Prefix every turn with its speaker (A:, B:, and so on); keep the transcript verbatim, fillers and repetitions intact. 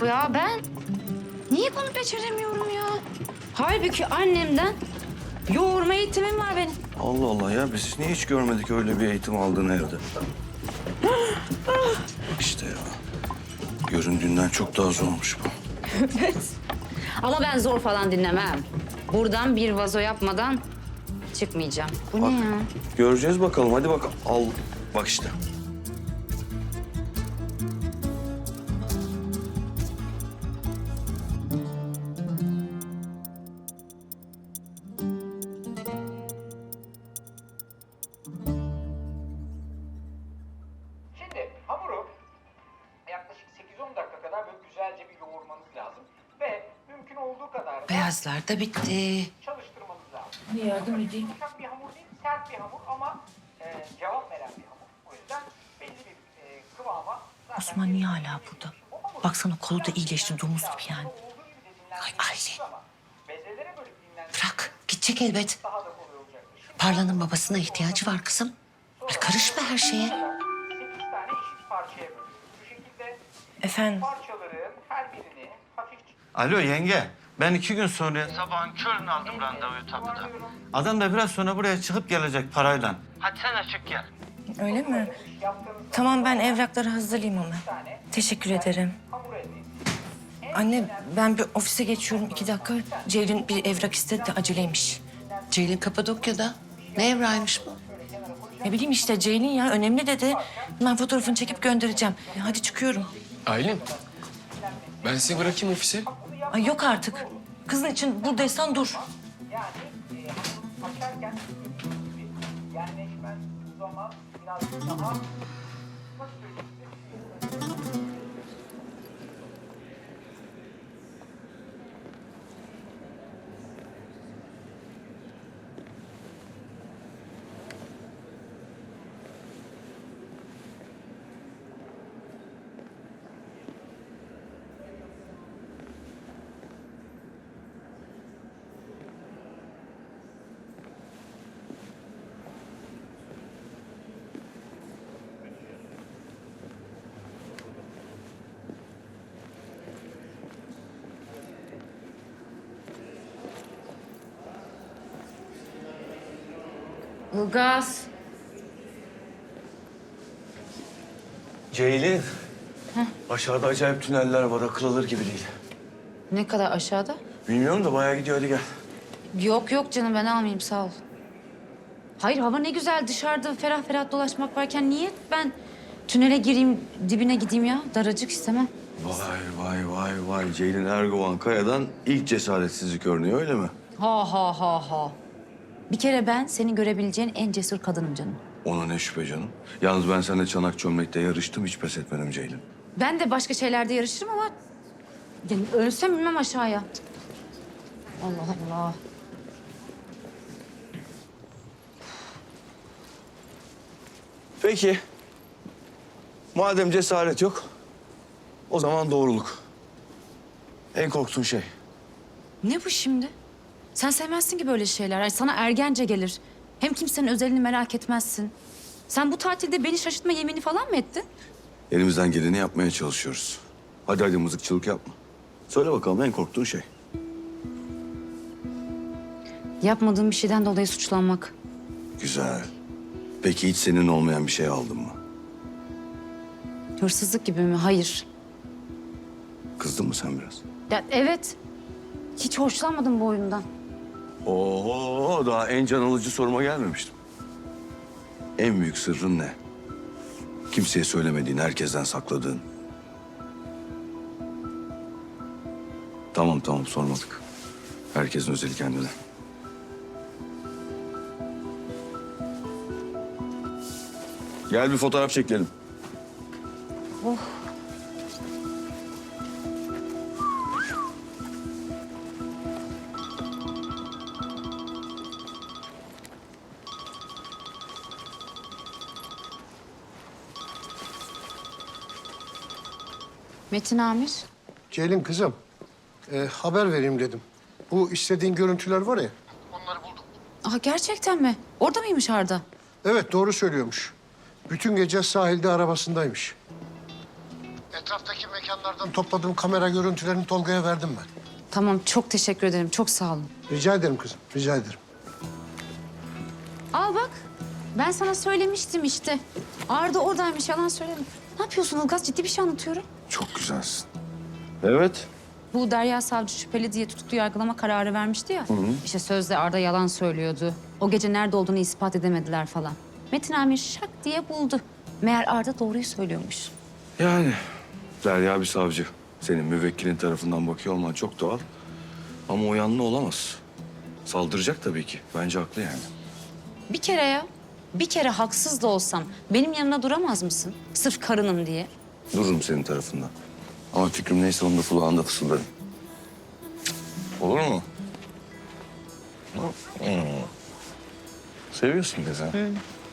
A: ya ben? Niye bunu beceremiyorum ya? Halbuki annemden yoğurma eğitimim var benim.
B: Allah Allah ya biz niye hiç görmedik öyle bir eğitim aldığını evde? İşte ya. Göründüğünden çok daha zormuş bu.
A: Evet. Ama ben zor falan dinlemem. Buradan bir vazo yapmadan çıkmayacağım. Bu
B: Bak,
A: ne ya?
B: göreceğiz bakalım. Hadi bakalım. Al. Bak işte.
C: Şimdi hamuru yaklaşık sekiz on dakika kadar böyle güzelce bir yoğurmanız lazım. Ve mümkün olduğu kadar da
D: Beyazlar da bitti.
C: çalıştırmanız lazım.
D: Bir yardım edeyim.
C: Yumuşak bir hamur değil, sert bir hamur ama e, cevap veren bir hamur. O yüzden belli bir e, kıvama zaten...
D: Osman niye hala burada? Baksana kolu da iyileşti, domuz gibi yani. Ay Aylin.
C: Bezelere bölüp dinlendirmek
D: Bırak, gidecek elbet.
C: daha da kolay olacaktır. Şimdi
D: Parla'nın babasına ihtiyacı var kızım. Ay karışma her şeye.
C: sekiz tane eşit parçaya bölüyoruz. Bu şekilde
D: Efendim?
C: parçaların her birini hafifçe...
B: Alo yenge. Ben iki gün sonra sabahın körünü aldım randevuyu tapuda. Adam da biraz sonra buraya çıkıp gelecek parayla. Hadi sen açık gel.
E: Öyle mi? Tamam ben evrakları hazırlayayım hemen. Teşekkür ederim. Anne ben bir ofise geçiyorum iki dakika. Ceylin bir evrak istedi de aceleymiş.
D: Ceylin Kapadokya'da. Ne evraymış bu?
E: Ne bileyim işte Ceylin ya önemli dedi. Ben fotoğrafını çekip göndereceğim. E, hadi çıkıyorum.
F: Aylin, ben sizi bırakayım ofise.
E: Ay yok artık. Kızın için buradaysan dur.
C: Yani e, hamur açarken dediğim gibi yerleşmen zaman biraz daha nasıl söyleyeyim?
A: Ilgaz.
B: Ceylin. Aşağıda acayip tüneller var. Akıl alır gibi değil.
A: Ne kadar aşağıda?
B: Bilmiyorum da bayağı gidiyor. Hadi gel.
A: Yok yok canım ben almayayım sağ ol. Hayır hava ne güzel dışarıda ferah ferah dolaşmak varken niye ben tünele gireyim dibine gideyim ya? Daracık istemem.
B: Vay vay vay vay. Ceylin Erguvan Kaya'dan ilk cesaretsizlik örneği öyle mi?
A: Ha ha ha ha. Bir kere ben senin görebileceğin en cesur kadınım canım.
B: Ona ne şüphe canım. Yalnız ben seninle çanak çömlekte yarıştım. Hiç pes etmedim Ceylin.
A: Ben de başka şeylerde yarışırım ama... Yani ölsem inmem aşağıya. Allah Allah.
B: Peki. Madem cesaret yok, o zaman doğruluk. En korktuğun şey.
A: Ne bu şimdi? Sen sevmezsin ki böyle şeyler. Ay, sana ergence gelir. Hem kimsenin özelini merak etmezsin. Sen bu tatilde beni şaşırtma yemini falan mı ettin?
B: Elimizden geleni yapmaya çalışıyoruz. Hadi hadi mızıkçılık yapma. Söyle bakalım en korktuğun şey.
A: Yapmadığım bir şeyden dolayı suçlanmak.
B: Güzel. Peki hiç senin olmayan bir şey aldın mı?
A: Hırsızlık gibi mi? Hayır.
B: Kızdın mı sen biraz?
A: Ya evet. Hiç hoşlanmadım bu oyundan.
B: Oo, daha en can alıcı soruma gelmemiştim. En büyük sırrın ne? Kimseye söylemediğin, herkesten sakladığın. Tamam tamam sormadık. Herkesin özeli kendine. Gel bir fotoğraf çekelim.
A: Oh. Metin Amir.
G: Ceylin kızım, e, haber vereyim dedim. Bu istediğin görüntüler var ya.
A: Aa, gerçekten mi? Orada mıymış Arda?
G: Evet doğru söylüyormuş. Bütün gece sahilde arabasındaymış. Etraftaki mekanlardan topladığım kamera görüntülerini Tolga'ya verdim ben.
A: Tamam, çok teşekkür ederim. Çok sağ olun.
G: Rica ederim kızım, rica ederim.
A: Al bak. Ben sana söylemiştim işte. Arda oradaymış, yalan söyledim. Ne yapıyorsun Ilgaz? Ciddi bir şey anlatıyorum.
B: Çok güzelsin. Evet.
A: Bu Derya Savcı şüpheli diye tutuklu yargılama kararı vermişti ya. İşte sözde Arda yalan söylüyordu. O gece nerede olduğunu ispat edemediler falan. Metin Amir şak diye buldu. Meğer Arda doğruyu söylüyormuş.
B: Yani Derya bir savcı. Senin müvekkilin tarafından bakıyor olman çok doğal. Ama o yanlı olamaz. Saldıracak tabii ki. Bence haklı yani.
A: Bir kere ya, bir kere haksız da olsam benim yanına duramaz mısın? Sırf karınım diye.
B: Dururum senin tarafından. Ama fikrim neyse onu da kulağında fısıldarım. Olur mu? Hmm. Seviyorsun kızı.